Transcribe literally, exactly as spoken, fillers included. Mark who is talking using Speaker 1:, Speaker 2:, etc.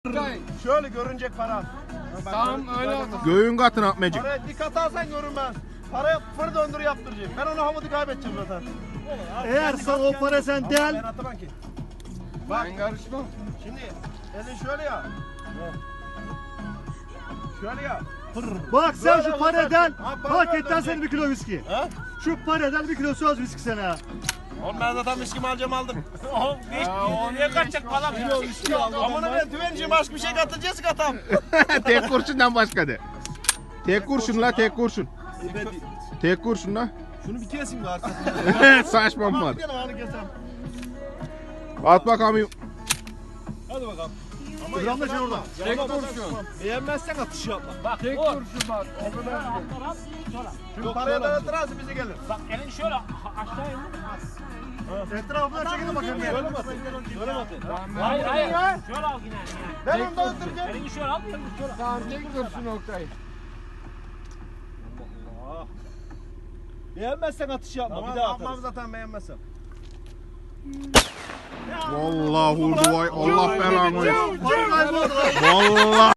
Speaker 1: Şöyle görünecek para.
Speaker 2: Tamam öyle olsun.
Speaker 3: Göğün katına atmayacak.
Speaker 1: Paraya dikkat alsan görünmez. Paraya fır döndür yaptıracağım. Ben onu havada kaybedeceğim zaten.
Speaker 4: Eğer sen o para sen değil.
Speaker 1: Ben atamam ki. Bak
Speaker 2: Ben karışmam.
Speaker 1: şimdi elin şöyle ya. Şöyle ya.
Speaker 4: Bak sen
Speaker 1: Böyle
Speaker 4: şu
Speaker 1: olacak.
Speaker 4: paradan
Speaker 1: Ha, para
Speaker 4: hak
Speaker 1: böyle
Speaker 4: etten
Speaker 1: olacak.
Speaker 4: seni bir kilo viski.
Speaker 1: Ha?
Speaker 4: Şu paradan bir kilo söz viski sana.
Speaker 1: Oğlum ben zaten viskimi alacağım aldım.
Speaker 2: Niye kaçacak falan?
Speaker 1: Amına ben tüvenciyim başka bir şey katacağız katam.
Speaker 3: Tek kurşundan başka de. Tek kurşun la tek kurşun. Tek kurşun la.
Speaker 1: Şunu bir keseyim de arkasından.
Speaker 3: Saçmam var.
Speaker 1: Bir tane ağını kesem.
Speaker 3: At bakalım.
Speaker 1: Hadi bakalım.
Speaker 4: Dur amca sen orada.
Speaker 2: Tek kurşun.
Speaker 1: Beğenmezsen atış yapma.
Speaker 2: Tek kurşun bak. O kadar.
Speaker 1: Şu paraya da ıtırası bize gelir.
Speaker 5: Bak elin şöyle aşağıya in.
Speaker 4: Etrafından çekin bakayım ya.
Speaker 1: Şöyle mi atayım? Şöyle mi atayım?
Speaker 5: Hayır hayır. Şöyle al yine.
Speaker 1: Ben onu da ıtıracağım.
Speaker 5: Elini şöyle al, elini şöyle al.
Speaker 2: Tamam tek kurşun Oktay.
Speaker 1: Beğenmezsen atış yapma. Tamam, bir daha atarız. Tamam zaten beğenmezsen.
Speaker 3: Vallahi vurdu vay. Allah belanı versin.
Speaker 4: Para kayboldu.
Speaker 3: Vallahi.